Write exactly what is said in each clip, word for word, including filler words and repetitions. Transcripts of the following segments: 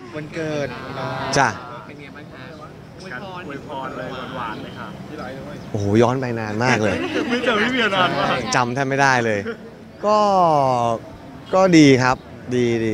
วันเกิดจ้ะเป็นไงบ้างคะอวยพรอวยพรเลยหวานๆเลยค่ะที่ไรด้วยโอ้โหย้อนไปนานมากเลยไม่เจอพี่เบียร์นานมากจำแทบไม่ได้เลย ก็ก็ดีครับดีดี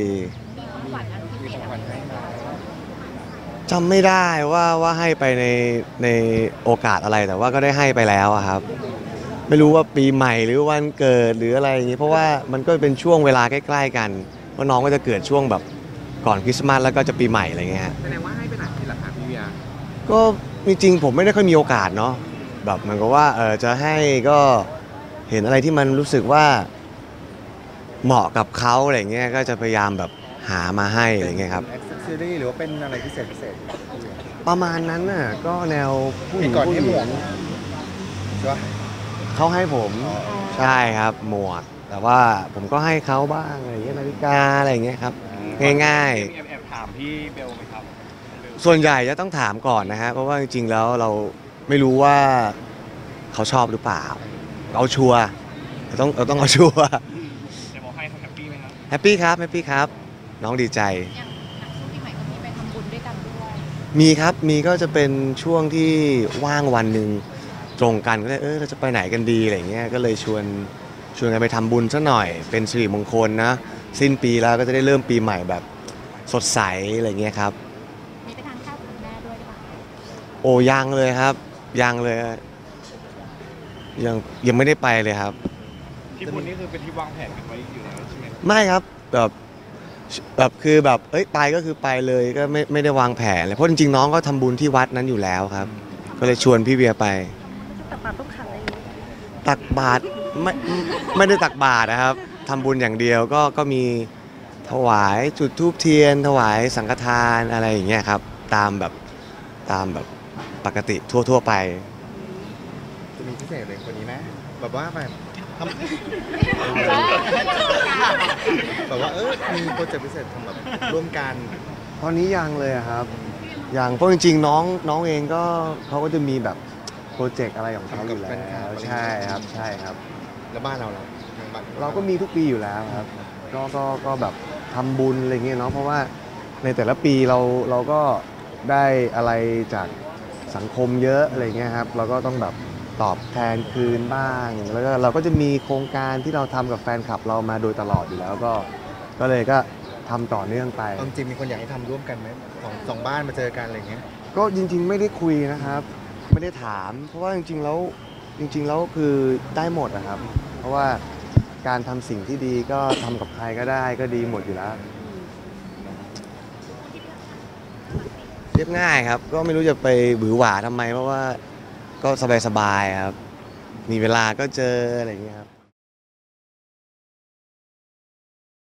จำไม่ได้ว่าว่าให้ไปในในโอกาสอะไรแต่ว่าก็ได้ให้ไปแล้วครับไม่รู้ว่าปีใหม่หรือวันเกิดหรืออะไรอย่างนี้เพราะว่ามันก็เป็นช่วงเวลาใกล้ๆกันเพราะน้องก็จะเกิดช่วงแบบก่อนคริสต์มาสแล้วก็จะปีใหม่อะไรเงี้ยแสดงว่าให้ไปหนักที่หลักฐานพี่เบียร์ก็จริงๆผมไม่ได้ค่อยมีโอกาสเนาะแบบเหมือนกับว่าเออจะให้ก็เห็นอะไรที่มันรู้สึกว่าเหมาะกับเขาอะไรเงี้ยก็จะพยายามแบบหามาให้อะไรเงี้ยครับเป็นแอคเซสซอรี่หรือว่าเป็นอะไรพิเศษพิเศษประมาณนั้นน่ะก็แนวผู้หญิงผู้หญิงใช่ปะเขาให้ผมใช่ครับหมวกแต่ว่าผมก็ให้เขาบ้างอะไรเงี้ยนาฬิกาอะไรเงี้ยครับง่ายๆแอบถามพี่เบลไหมครับส่วนใหญ่จะต้องถามก่อนนะฮะเพราะว่าจริงๆแล้วเราไม่รู้ว่าเขาชอบหรือเปล่าเอาชัวร์เราต้องเราต้องเอาชัวร์จะบอกให้เขาแฮปปี้ไหมครับแฮปปี้ครับแฮปปี้ครับน้องดีใจอย่างช่วงปีใหม่ก็มีไปทำบุญด้วยกันด้วยมีครับมีก็จะเป็นช่วงที่ว่างวันหนึ่งตรงกันก็เลยเออเราจะไปไหนกันดีอะไรเงี้ยก็เลยชวนชวนกันไปทำบุญซะหน่อยเป็นสิริมงคลนะสิ้นปีแล้วก็จะได้เริ่มปีใหม่แบบสดใสอะไรเงี้ยครับมีไปทานข้าวกับคุณแม่ด้วยหรือเปล่าโอ้ยังเลยครับยังเลยยังยังไม่ได้ไปเลยครับที่บุญนี่คือเป็นที่วางแผนกันไว้อยู่แล้วใช่ไหมไม่ครับแบบแบบคือแบบเอ้ยไปก็คือไปเลยก็ไม่ไม่ได้วางแผนเลยเพราะจริงๆน้องก็ทำบุญที่วัดนั้นอยู่แล้วครับก็เลยชวนพี่เวียไปตักบาตรต้องขันอะไรตักบาตรไม่ไม่ได้ตักบาตรนะครับทำบุญอย่างเดียวก็ก็มีถวายจุดธูปเทียนถวายสังฆทานอะไรอย่างเงี้ยครับตามแบบตามแบบปกติทั่วๆไปจะมีพิเศษเลยคนนี้ไหมแบบว่าแบบทำแบบว่าเออมีโปรเจกต์พิเศษทำแบบร่วมกันตอนนี้ยังเลยครับยังเพราะจริงๆน้องน้องเองก็เขาก็จะมีแบบโปรเจกต์อะไรของเขาอยู่แล้วใช่ครับใช่ครับแล้วบ้านเราเราเราก็มีทุกปีอยู่แล้วครับก็ก็ก็แบบทำบุญอะไรเงี้ยเนาะเพราะว่าในแต่ละปีเราเราก็ได้อะไรจากสังคมเยอะอะไรเงี้ยครับเราก็ต้องแบบตอบแทนคืนบ้างแล้วก็เราก็จะมีโครงการที่เราทำกับแฟนคลับเรามาโดยตลอดอยู่แล้วก็ก็เลยก็ทำต่อเนื่องไปจริงมีคนอยากให้ทำร่วมกันไหมสองสองบ้านมาเจอกันอะไรเงี้ยก็จริงๆไม่ได้คุยนะครับไม่ได้ถามเพราะว่าจริงๆแล้วจริงๆแล้วคือได้หมดนะครับเพราะว่าการทำสิ่งที่ดีก็ทำกับใครก็ได้ก็ดีหมดอยู่แล้วเรียบง่ายครับก็ไม่รู้จะไปหวือหวาทำไมเพราะว่าก็สบายๆครับมีเวลาก็เจออะไรอย่างเงี้ยครับ